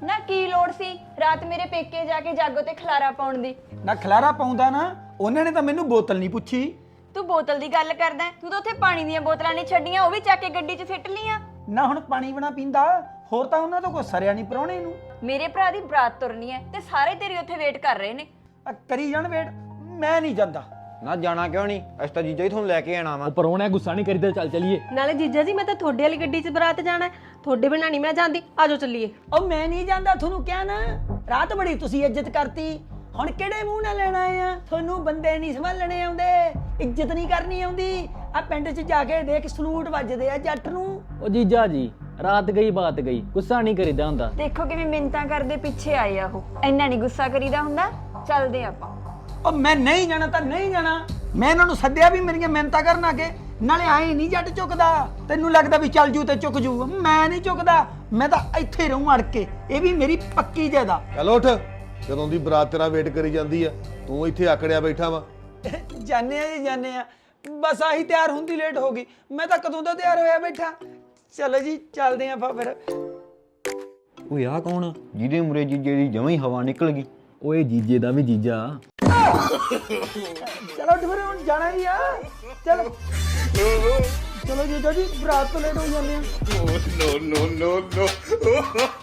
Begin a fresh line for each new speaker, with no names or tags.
ਨਾ ਕੀ ਲੋੜ ਸੀ ਰਾਤ ਮੇਰੇ ਪੇਕੇ ਜਾ ਕੇ ਜਾਗੋ ਤੇ ਖਲਾਰਾ ਪਾਉਣ ਦੀ।
ਨਾ ਖਲਾਰਾ ਪਾਉਂਦਾ ਨਾ, ਉਹਨਾਂ ਨੇ ਤਾਂ ਮੈਨੂੰ ਬੋਤਲ ਨਹੀਂ ਪੁੱਛੀ।
ਤੂੰ ਬੋਤਲ ਦੀ ਗੱਲ ਕਰਦਾ ਤੂੰ ਤਾਂ ਉੱਥੇ ਪਾਣੀ ਦੀਆਂ ਬੋਤਲਾਂ ਨਹੀਂ ਛੱਡੀਆਂ, ਉਹ ਵੀ ਚੱਕ ਕੇ ਗੱਡੀ 'ਚ ਸਿੱਟ ਲੀਆਂ।
ਨਾ ਹੁਣ ਪਾਣੀ ਬਣਾ ਪੀਂਦਾ, ਹੋਰ ਤਾਂ ਉਹਨਾਂ ਤੋਂ ਕੋਈ ਸਰਿਆ ਨਹੀਂ ਪ੍ਰਾਹੁਣੇ ਨੂੰ।
ਮੇਰੇ ਭਰਾ ਦੀ ਬਰਾਤ ਤੁਰਨੀ ਹੈ ਤੇ ਸਾਰੇ ਤੇਰੀ ਉੱਥੇ ਵੇਟ ਕਰ ਰਹੇ ਨੇ।
ਕਰੀ ਜਾਣ ਵੇਟ, ਮੈਂ ਨਹੀਂ ਜਾਂਦਾ।
ਨਾ ਜਾਣਾ ਕਿਉਂ ਨਹੀਂ, ਅਸੀਂ ਤਾਂ ਜੀਜਾ ਹੀ ਤੁਹਾਨੂੰ ਲੈ ਕੇ ਆਣਾ ਵਾ।
ਉਹ ਪਰੋਣਾ ਗੁੱਸਾ ਨਹੀਂ ਕਰੀਦਾ, ਚੱਲ ਚਲੀਏ।
ਨਾਲੇ ਜੀਜਾ ਜੀ ਮੈਂ ਤਾਂ ਤੁਹਾਡੇ ਵਾਲੀ ਗੱਡੀ 'ਚ ਬਰਾਤ ਜਾਣਾ, ਤੁਹਾਡੇ ਬਿਨਾਂ ਨਹੀਂ ਮੈਂ ਜਾਂਦੀ, ਆਜੋ ਚੱਲੀਏ।
ਉਹ ਮੈਂ ਨਹੀਂ ਜਾਂਦਾ, ਤੁਹਾਨੂੰ ਕਿਹਾ ਨਾ, ਰਾਤ ਬੜੀ ਤੁਸੀਂ ਇੱਜ਼ਤ ਕਰਤੀ, ਹੁਣ ਕਿਹੜੇ ਮੂੰਹ ਨਾਲ ਲੈਣਾ ਆ? ਤੁਹਾਨੂੰ ਬੰਦੇ ਨਹੀਂ ਸੰਭਾਲਣੇ ਆਉਂਦੇ, ਇੱਜ਼ਤ ਨਹੀਂ ਕਰਨੀ ਆਉਂਦੀ। ਆ ਪਿੰਡ 'ਚ ਜਾ ਕੇ ਦੇਖ ਸਲੂਟ ਵੱਜਦੇ ਆ ਜੱਟ ਨੂੰ।
ਉਹ ਜੀਜਾ ਜੀ ਰਾਤ ਗਈ ਬਾਤ ਗਈ, ਗੁੱਸਾ ਨਹੀਂ ਕਰੀਦਾ ਹੁੰਦਾ।
ਦੇਖੋ ਕਿਵੇਂ ਮਿੰਨਤਾਂ ਕਰਦੇ ਪਿੱਛੇ ਆਏ ਆ ਉਹ, ਇੰਨਾ ਨਹੀਂ ਗੁੱਸਾ ਕਰੀਦਾ ਹੁੰਦਾ। ਚੱਲਦੇ ਆਪਾਂ।
ਉਹ ਮੈਂ ਨਹੀਂ ਜਾਣਾ ਤਾਂ ਨਹੀਂ ਜਾਣਾ, ਮੈਂ ਇਹਨਾਂ ਨੂੰ ਸੱਦਿਆ ਵੀ ਮੇਰੀਆਂ ਮਿਹਨਤਾਂ ਕਰਨ ਆ ਕੇ, ਨਾਲੇ ਆਏ ਨਹੀਂ ਜੱਟ ਚੁੱਕਦਾ। ਤੈਨੂੰ ਲੱਗਦਾ ਵੀ ਚੱਲ ਜੂ ਤੇ ਚੁੱਕ ਜੂ, ਮੈਂ ਨਹੀਂ ਚੁੱਕਦਾ, ਮੈਂ ਤਾਂ ਇੱਥੇ ਰਹੂੰ ਅੜ ਕੇ। ਇਹ ਵੀ ਮੇਰੀ ਪੱਕੀ ਜਾਇਦਾ।
ਚੱਲ ਉੱਠ, ਜਦੋਂ ਦੀ ਬਰਾਤ ਤੇਰਾ ਵੇਟ ਕਰੀ ਜਾਂਦੀ ਆ, ਤੂੰ ਇੱਥੇ ਆਕੜਿਆ ਬੈਠਾ ਵਾ।
ਜਾਣੇ ਆ ਜੀ ਜਾਣੇ ਆ, ਬਸ ਆਹੀ ਤਿਆਰ ਹੁੰਦੀ ਲੇਟ ਹੋ ਗਈ, ਮੈਂ ਤਾਂ ਕਦੋਂ ਦਾ ਤਿਆਰ ਹੋਇਆ ਬੈਠਾ। ਚਲੋ ਜੀ ਚੱਲਦੇ ਆਪਾਂ ਫਿਰ।
ਓਏ ਆ ਕੌਣ, ਜਿਹਦੇ ਮੁਰੇ ਜੀਜੇ ਦੀ ਜਮਾਂ ਹੀ ਹਵਾ ਨਿਕਲ ਗਈ।
ਓਏ ਜੀਜੇ ਦਾ ਵੀ ਜੀਜਾ।
ਚਲੋ ਫਿਰ ਹੁਣ ਜਾਣਾ ਹੀ ਆ, ਚਲੋ ਚਲੋ ਜੀ ਬਰਾਤ ਤੋਂ ਲੇਟ ਹੋ ਜਾਂਦੇ ਆ।